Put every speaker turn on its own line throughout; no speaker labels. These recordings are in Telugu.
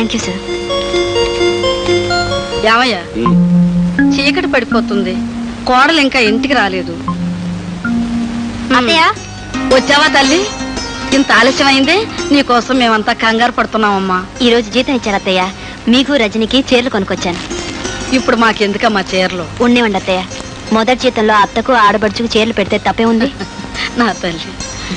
Thank you sir.
యావయ్యా, చీకటి పడిపోతుంది, కోడలు ఇంకా ఇంటికి రాలేదు.
అత్తయ్య,
వచ్చావా తల్లి? ఇంత ఆలస్యమైంది, నీకోసం మేమంతా కంగారు పడుతున్నామమ్మా.
ఈ రోజు జీతం ఇచ్చారు అత్తయ్య. మీకు రజనికి చీరలు కొనుక్కొచ్చాను.
ఇప్పుడు మాకెందుకమ్మా చీరలు?
ఉండేవండి అత్తయ్య. మొదటి జీతంలో అత్తకు ఆడబడుచుకు చీరలు పెడితే తప్పే ఉంది.
నా తల్లి.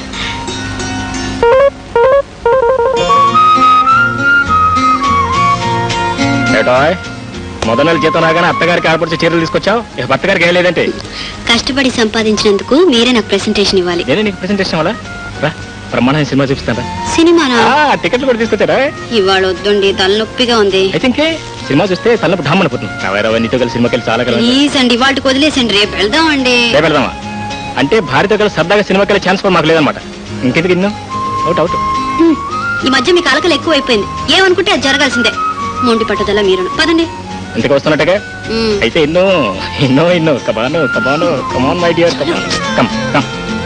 మొదటి నెల జీతం రాగానే అత్తగారికి ఆడపడిచి చీరలు తీసుకొచ్చావు, అత్తగారికి ఏం లేదంటే?
కష్టపడి సంపాదించినందుకు మీరే నాకు ప్రెసెంటేషన్ ఇవ్వాలి.
నేనే నీకు ప్రెసెంటేషన్ ఇవ్వాలా? రా, బ్రహ్మాండ సినిమా చూపిస్తాను.
సినిమానా?
టికెట్లు కూడా తీసుకొచ్చారా?
ఇవాళ వద్దండి, తలనొప్పిగా ఉంది.
అయితే ఇంకే సినిమా చూస్తే తలనొప్పి ఢామ్మని పోతుంది. నీతో కలిసి సినిమాకి వెళ్ళి చాలా కలిసి.
ప్లీజ్ అండి, వాటికి వదిలేసండి, రేపు వెళ్దామండి.
రేపు వెళ్దామా? అంటే భార్యతో కలిసి సరదాగా సినిమాకి వెళ్ళే ఛాన్స్ కూడా మాకు లేదనమాట. ఇంకెందుకు ఇన్ను? Out out.
ఈ మధ్య మీకు అలకలు ఎక్కువ అయిపోయింది. ఏమనుకుంటే అది జరగాల్సిందే. మొండి పట్టుదల మీరును. పదండి.
ఇంటికి వస్తున్నట్టుగా అయితే ఇన్నో ఇన్నో ఇన్నో come on come on come on my dear come on come come.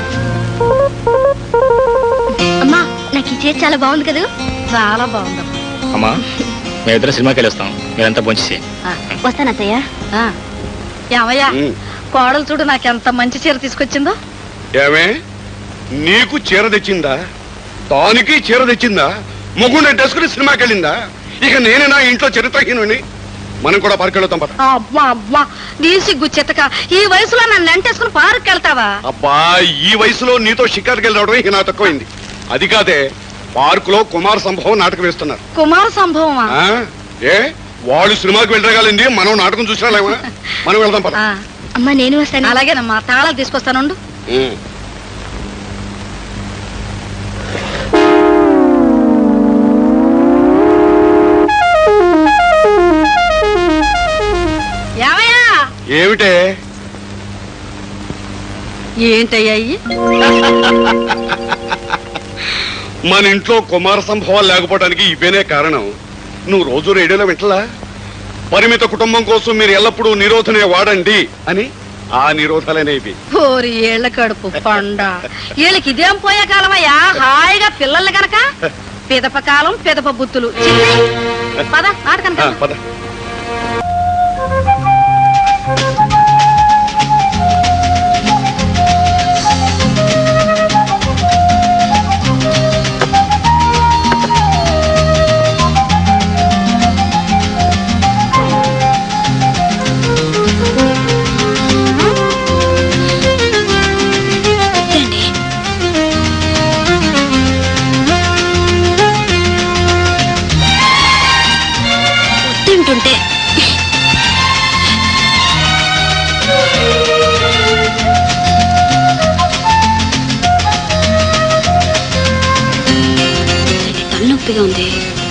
అమ్మా, నాకు ఈ చీర చాలా బాగుంది కదా?
చాలా బాగుందమ్మా.
అమ్మా, మేమిద్దరం సినిమాకి వెళ్ళొస్తాం, మీరంతా భోంచేసి.
వస్తాను అత్తయ్య.
యావయ్యా, కోడలు చూడు నాకెంత మంచి చీర తీసుకొచ్చిందో.
ఏమే, నీకు చీర తెచ్చిందా? తానికి చీర తెచ్చిందా? మొగుండే డెస్కుని సినిమాకి వెళ్ళిందా? ఇక నేనేనా ఇంట్లో చరిత్రహీనుని? మనం కూడా పార్క్ వెళ్తాం పద.
అబ్బా అబ్బా, నీ సిగ్గు చెత్తక, ఈ వయసులో నన్ను వెంటేసుకుని పార్క్ వెళ్తావా?
అబ్బా, ఈ వయసులో నీతో షికార్కి వెళ్ళడం ఇక నా తక్కువైంది. అది కాదే, పార్క్ లో కుమార సంభవం నాటకం వేస్తున్నారు.
కుమార సంభవమా?
ఏ, వాళ్ళు సినిమాకి వెళ్ళగలింది, మనం నాటకం చూసినాలేమా? మనం వెళ్దాం పద.
అమ్మా, నేను వస్తాను.
అలాగేనమ్మా, తాళాలు తీసుకొస్తానుండు.
ఏమిటే?
ఏంటయ్యాయి?
మన ఇంట్లో కుమార సంభవాలు లేకపోవడానికి ఇవేనే కారణం. నువ్వు రోజు రేడియోలో వింటలా? పరిమిత కుటుంబం కోసం మీరు ఎల్లప్పుడూ నిరోధనే వాడండి అని. ఆ నిరోధాలనేవి
ఓరి ఏళ్ల కడుపు పండ. వీళ్ళకి ఇదేం పోయే కాలమయ్యా, హాయిగా పిల్లలు గనక పిదప కాలం పిదప బుద్ధులు. పద నాటకం
పద.
తింటుంటే తలనొప్పిగా ఉంది.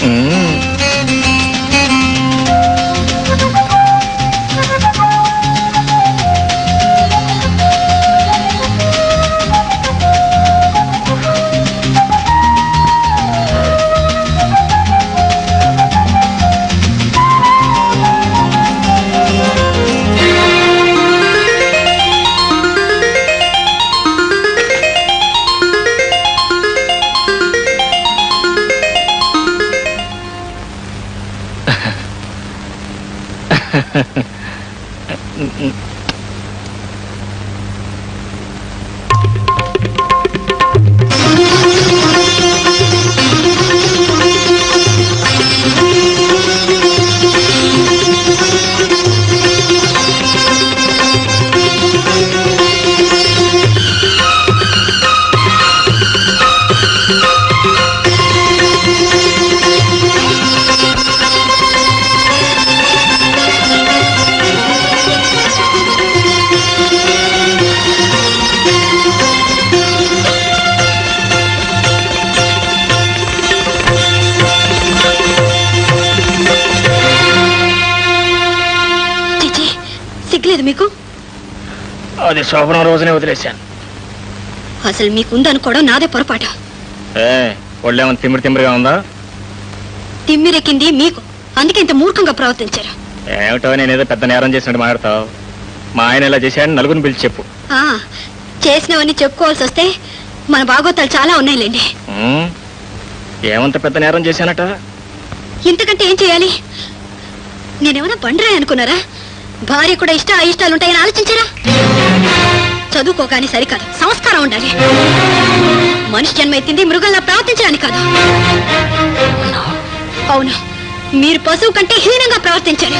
మీకు
అది శోభనం రోజునే వదిలేశాను.
అసలు మీకుందనుకోవడం నాదే పొరపాటు.
ఒళ్ళేమన్నా తిమ్మిరిగా ఉందా?
తిమ్మిరెక్కింది మీకు, అందుకే ఇంత మూర్ఖంగా ప్రవర్తించారు.
ఏమిటో నేనేదో పెద్ద నేరం చేసినట్టు మాట్లాడతావు. మా ఆయన ఇలా చేశాడని నలుగురిని పిలిచి చెప్పు.
చేసినవన్నీ చెప్పుకోవాల్సి వస్తే మన బాగోతాలు చాలా ఉన్నాయిలేండి.
ఏమంత పెద్ద నేరం చేశానట?
ఇంతకంటే ఏం చేయాలి? నేనేమైనా బండరాయి అనుకున్నారా? భార్య కూడా అయిష్టాలు ఉంటాయని ఆలోచించారా? చదువుకోగాని సరికాదు, సంస్కారం ఉండాలి. మనిషి జన్మ ఎత్తింది మృగంలా ప్రవర్తించడానికి కాదు. అవును, మీరు పశువు కంటే హీనంగా ప్రవర్తించారు.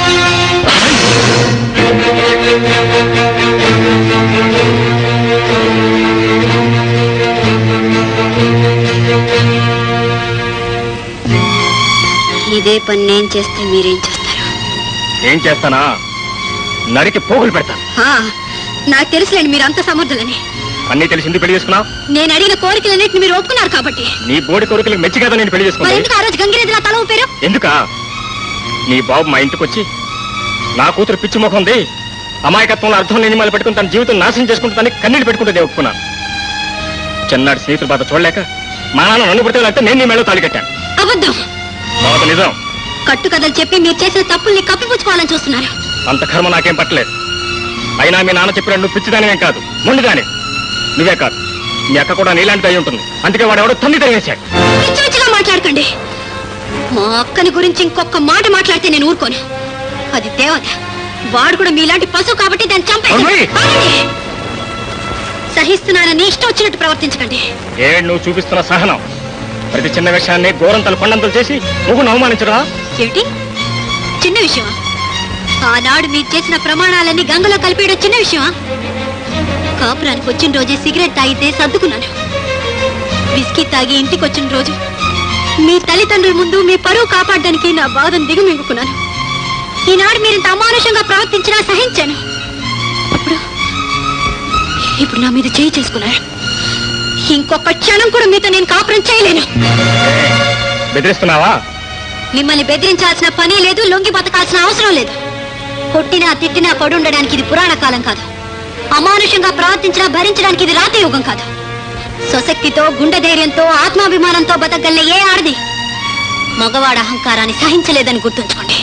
ఇదే పని నేను చేస్తే మీరేం చేస్తారు?
ఏం చేస్తానా? నరికి పోగులు పెడతాను.
నాకు తెలుసులేండి మీరు అంత సమర్థులని.
అన్నీ తెలిసి ఎందుకు పెళ్లి చేసుకున్నావు?
నేను అడిగిన కోరికలన్నింటిని మీరు ఒప్పుకున్నారు కాబట్టి.
నీ బోడి కోరికలకు మెచ్చి కదా నేను పెళ్లి
మరి
చేసుకున్నాను.
ఎందుకు ఆ రోజు గంగిరెద్దులా తల ఊపారు?
ఎందుకా? నీ బాబు మా ఇంటికి వచ్చి నా కూతురు పిచ్చి ముఖం ఉంది, అమాయకత్వంలో అర్థం లేని మళ్ళీ పెట్టుకుని తన జీవితం నాశనం చేసుకుంటుందని కన్నీళ్ళు పెట్టుకుంటే ఒప్పుకున్నాను. చిన్నాడు స్నేహితుల బాధ చూడలేక మా నాన్న నన్ను పుట్టాలంటే నేను నీ మేళ తాళి కట్టాను.
అబద్ధం.
బాబు నిజం.
కట్టుకథలు చెప్పి మీరు చేసిన తప్పుల్ని కప్పిపుచ్చుకోవాలని చూస్తున్నారు.
అంత కర్మ నాకేం పట్టలేదు. అయినా మీ నాన్న చెప్పిన నువ్వు పిచ్చిదానివేం కాదు, మొండిదాని. నువ్వే కాదు, మీ అక్క కూడా నీలాంటిది అయి ఉంటుంది. అందుకే వాడు ఎవడో తన్ని తరివేశాడు.
పిచ్చి పిచ్చిగా మాట్లాడకండి. మా అక్కని గురించి ఇంకొక మాట మాట్లాడితే నేను ఊరుకోను. అది దేవత. వాడు కూడా మీలాంటి పశువు కాబట్టి దాన్ని చంపేసి
అమ్మాయి!
సహిస్తున్నానని ఇష్టం వచ్చినట్టు ప్రవర్తించకండి.
నువ్వు చూపిస్తున్న సహనం ప్రతి చిన్న విషయాన్ని గోరంతలు కొండంతలు చేసి నువ్వు అవమానించరా?
ఏమిటి చిన్న విషయమా? ఆనాడు మీరు చేసిన ప్రమాణాలన్నీ గంగలో కలిపేయడం చిన్న విషయమా? కాపురానికి వచ్చిన రోజే సిగరెట్ తాగితే సర్దుకున్నాను. విస్కీ తాగి ఇంటికి వచ్చిన రోజు మీ తల్లిదండ్రుల ముందు మీ పరువు కాపాడడానికి నా బాధను దిగుమింగుకున్నాను. ఈనాడు మీరు ఇంత అమానుషంగా ప్రవర్తించినా సహించాను. ఇప్పుడు నా మీద చేయి చేసుకున్నారు. ఇంకొక క్షణం కూడా మీతో నేను కాపురం చేయలేను.
బెదిరిస్తున్నావా?
మిమ్మల్ని బెదిరించాల్సిన పని లేదు, లొంగి బతకాల్సిన అవసరం లేదు. కొట్టినా తిట్టినా పడి ఉండడానికి ఇది పురాణ కాలం కాదు. అమానుషంగా ప్రవర్తించినా భరించడానికి ఇది రాతి యుగం కాదు. స్వశక్తితో, గుండె ధైర్యంతో, ఆత్మాభిమానంతో బతకగల ఏ ఆడది మగవాడ అహంకారాన్ని సహించలేదని గుర్తుంచుకోండి.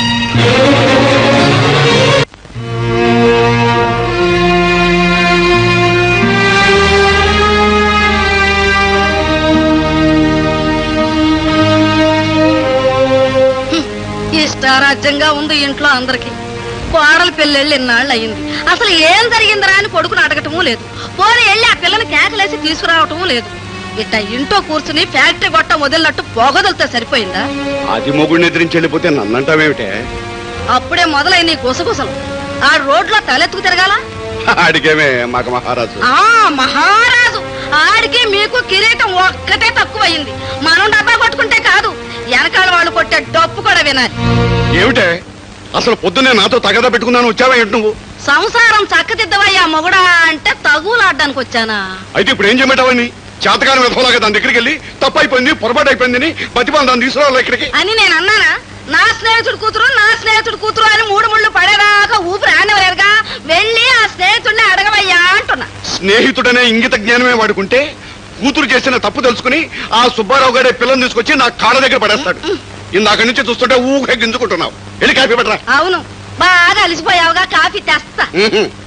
ఇష్టారాజ్యంగా ఉంది ఇంట్లో అందరికి. కోడలు పెళ్ళెళ్ళి ఎన్నాళ్ళు అయింది. అసలు ఏం జరిగిందిరా అని కొడుకుని అడగటమూ లేదు. పోనీ వెళ్ళి ఆ పిల్లని కేకలేసి తీసుకురావటమూ లేదు. ఇట్ట ఇంట్లో కూర్చుని ఫ్యాక్టరీ గొట్ట వదిలినట్టు పొగదలతో సరిపోయిందా?
అది మొగుడిని ఎదిరించి వెళ్ళిపోతే నన్నంటావేమిటే?
అప్పుడే మొదలైన నీ గుసగుసలు. ఆ రోడ్లో తలెత్తుకు తిరగాల?
అడిగేమే మాకు మహారాజు.
మహారాజు ఆడికి మీకు కిరీటం ఒక్కటే తక్కువయింది. మనం డబ్బా కొట్టుకుంటే కాదు, వెనకాల వాళ్ళు కొట్టే డప్పు కూడా వినాలి.
ఏమిటే అసలు పొద్దున్నే నాతో తగదా పెట్టుకున్నాను, వచ్చావా ఏంటి నువ్వు?
సంసారం చక్కదిద్దవయ్యా మొగుడా అంటే తగులాడ్డానికి వచ్చానా?
అయితే ఇప్పుడు ఏం చేయమంటావని? చేతకాని విధంలాగా దాని దగ్గరికి వెళ్ళి తప్పు అయిపోయింది, పొరపాటు అయిపోయిందని బతిమాలి దాన్ని తీసుకురావాలి ఇక్కడికి
అని నేను అన్నానా? నా స్నేహితుడు కూతురు అని మూడు ముళ్ళు పడేదాకా ఊపిరి ఆడవలేరుగా. వెళ్ళి ఆ స్నేహితుడిని అడగవయ్యా అంటున్నా.
స్నేహితుడనే ఇంగిత జ్ఞానమే వాడుకుంటే కూతురు చేసిన తప్పు తెలుసుకుని ఆ సుబ్బారావు గారి పిల్లని తీసుకొచ్చి నా కాళ్ళ దగ్గర పడేస్తాడు. ఇందాక నుంచి చూస్తుంటే ఊహ గింజుకుంటున్నావు. వెళ్ళి కాఫీ పెట్టరా.
అవును, బాగా అలిసిపోయావుగా, కాఫీ తెస్తా.